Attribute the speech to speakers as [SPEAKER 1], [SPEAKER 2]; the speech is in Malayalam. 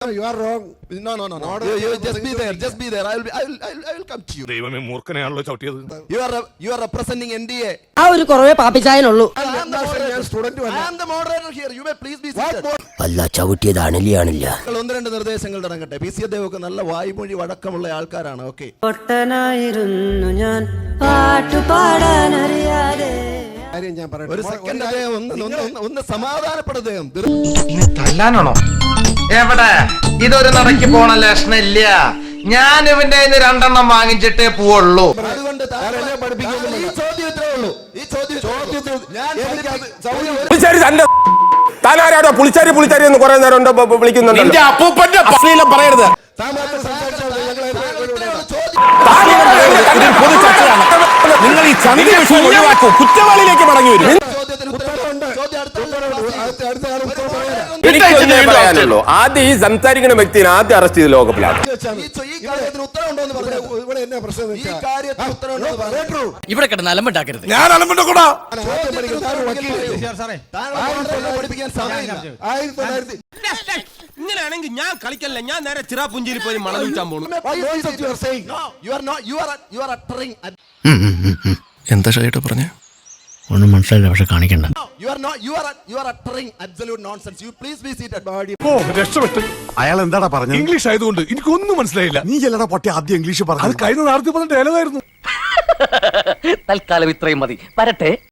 [SPEAKER 1] You are wrong.
[SPEAKER 2] No. You just be there. Just be there. I will come to you.
[SPEAKER 3] ദൈവമേ മൂർഖനെയാണല്ലോ ചവിട്ടിയത്.
[SPEAKER 2] You are representing NDA.
[SPEAKER 4] ആ ഒരു കുറവേ പാപ്പിച്ചായനുള്ളൂ.
[SPEAKER 2] I am the moderator here. You may please be seated.
[SPEAKER 4] അല്ല ചവിട്ടിയത് അണലിയാണില്ല.
[SPEAKER 2] ഒന്ന് രണ്ട് നിർദ്ദേശങ്ങൾ തുടങ്ങട്ടെ. PC ദേവൊക്കെ നല്ല വായ്മൊഴി വഴക്കമുള്ള ആൾക്കാരാണ്. ഓക്കെ.
[SPEAKER 4] പൊട്ടനായിരുന്നു ഞാൻ പാട്ടുപാടാനറിയാതെ.
[SPEAKER 2] ഒരു സെക്കൻഡ് അദ്ദേഹം ഒന്ന് സമാധാനപ്പെടുദ്ദേഹം.
[SPEAKER 5] തല്ലാനാണോ? എവിടെ ഇതൊരു നടക്ക് പോണ ലക്ഷണില്ല. ഞാൻ ഇവന്റെ രണ്ടെണ്ണം വാങ്ങിച്ചിട്ടേ പോവുള്ളൂ.
[SPEAKER 2] അതുകൊണ്ട് ഈ ചോദ്യം ഇത്രേ ഉള്ളൂ. ഈ ചോദ്യത്തിൽ
[SPEAKER 6] താനാരാടോ പുളിച്ചാരി എന്ന് കുറെ നേരം വിളിക്കുന്നുണ്ട്. അപ്പൂപ്പന്റെ അശ്ലീലം പറയരുത്. നിങ്ങൾ ഈ ചന്ദ്ര വിഷയം ഒഴിവാക്കൂ. കുറ്റവാളിയിലേക്ക് മടങ്ങി വരും. എനിക്കൊന്നേ പറയാനുള്ളൂ. ആദ്യം ഈ സംസാരിക്കുന്ന വ്യക്തിനെ ആദ്യം അറസ്റ്റ് ചെയ്ത് ലോകപ്പിലാണ്.
[SPEAKER 4] ഇവിടെ കിടന്ന് അലമ്പുണ്ടാക്കരുത്.
[SPEAKER 6] ഞാൻ അലമ്പുണ്ടാക്കൂടാ.
[SPEAKER 7] ഇങ്ങനെയാണെങ്കിൽ ഞാൻ കളിക്കല്ല. ഞാൻ നേരെ ചിറാപുഞ്ചിയിൽ പോയി മണം വിൽക്കാൻ പോകുന്നു.
[SPEAKER 3] എന്താ ഷൈട്ട് പറഞ്ഞേ?
[SPEAKER 4] ഒന്നും മനസ്സിലായില്ല, പക്ഷെ കാണിക്കണ്ട.
[SPEAKER 6] അയാൾ എന്താടാ പറഞ്ഞത്?
[SPEAKER 3] ഇംഗ്ലീഷ് ആയതുകൊണ്ട് എനിക്കൊന്നും മനസ്സിലായില്ല.
[SPEAKER 6] നീ ചെല്ലടാ പൊട്ടി ആദ്യം ഇംഗ്ലീഷ് പറഞ്ഞു.
[SPEAKER 3] അത് കഴിഞ്ഞ 4 ഡയലോഗായിരുന്നു.
[SPEAKER 4] തൽക്കാലം ഇത്രയും മതി. വരട്ടെ.